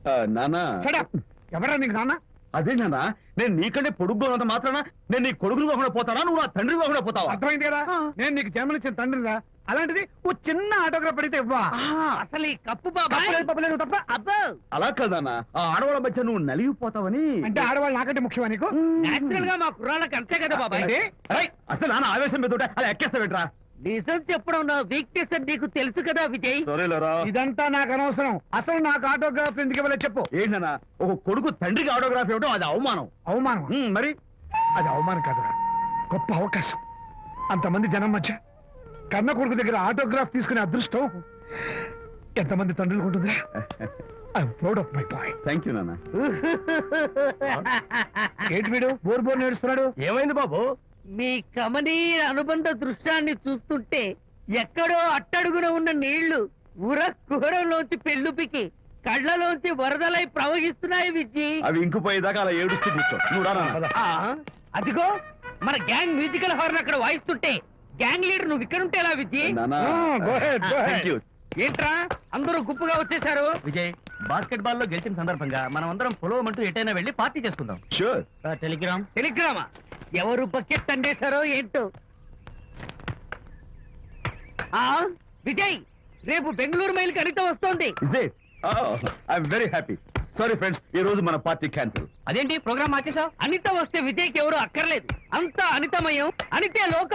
నానా ఎవరా నీకు నాన్న? అదే నానా, నేను నీకంటే పొడుగ్గా ఉన్నంత మాత్రాన నేను నీ కొడుకుని కాకుండా పోతానా, నువ్వు నా తండ్రి కాకుండా పోతావా? అర్థమైంది కదా, నేను నీకు జన్మనిచ్చిన తండ్రిరా. అలాంటిది ఓ చిన్న ఆటోగ్రాఫ్ అడిగితే ఇవ్వా? అసలు ఈ కప్పు బాబాయ్ తప్ప అబ్బో అలా కదన్నా, ఆ ఆడవాళ్ళ మధ్య నువ్వు నలిగిపోతావని. అంటే ఆడవాళ్ళు నాకంటే ముఖ్యమా నీకు? నేచురల్ గా మా కుర్రాళ్ళకి అంతే కదా బాబాయ్. ఏంటి? అరేయ్, అసలు నాన్న ఆవేశం మీద ఉంటే అలా ఎక్కేస్తావేంట్రా? నిజం చెప్పడం నా వీక్నెస్ అని నీకు తెలుసు కదా విజయ్. సరేలేరా. ఇదంతా నాకు అనవసరం. అసలు నాకు ఆటోగ్రాఫ్ ఎందుకు ఇవ్వలేదు చెప్పు. ఏంటన్నా, ఒక కొడుకు తండ్రికి ఆటోగ్రాఫ్ ఇవ్వడం అది అవమానం. అవమానం? మరి అది అవమానం కాదురా, గొప్ప అవకాశం. అంతమంది జనం మధ్య కన్న కొడుకు దగ్గర ఆటోగ్రాఫ్ తీసుకునే అదృష్టం ఎంతమంది తండ్రులకు ఉంటుందిరా. I'm proud of my boy. Thank you నాన్న. ఏంటి వీడు బోర్ బోర్ నేడుస్తున్నాడు? ఏమైంది బాబు? మీ కమనీయ అనుబంధ దృశ్యాన్ని చూస్తుంటే ఎక్కడో అట్టడుగున ఉన్న నీళ్లు ఉర కుహరంలోంచి పెళ్ళుపికి కళ్ళలోంచి వరదలై ప్రవహిస్తున్నాయి విజ్జి. అవి ఇంకుపోయేదాకా అలా ఏడుస్తూ కూర్చో. నువ్వు రా నాన్న. అదిగో మన గ్యాంగ్ మ్యూజికల్ హార్న్ అక్కడ వాయిస్తుంటే గ్యాంగ్ లీడర్ నువ్వు ఇక్కడ ఉంటే ఎలా విజ్జి? నాన్న. Go ahead, go ahead. Thank you. ఏంట్రా అందరూ గుంపుగా వచ్చేసారు? విజయ్, బాస్కెట్ బాల్ లో గెలిచిన సందర్భంగా మనం అందరం పొలవమంటూ ఎటైనా వెళ్ళి పార్టీ చేసుకుందాం. Sure. టెలిగ్రామ్. టెలిగ్రామా? ఎవరు బకెట్ అండేశారో ఏంటో. విజయ్, రేపు బెంగళూరు మైల్ అనిత వస్తోంది. Is it? Oh, I'm very happy. Sorry friends, ఈ రోజు మన పార్టీ క్యాన్సిల్. అదేంటి ప్రోగ్రామ్ మార్చేసావు? అనిత వస్తే విజయ్కి ఎవరు అక్కర్లేదు. అంతా అనితమయం, అనితే లోకం.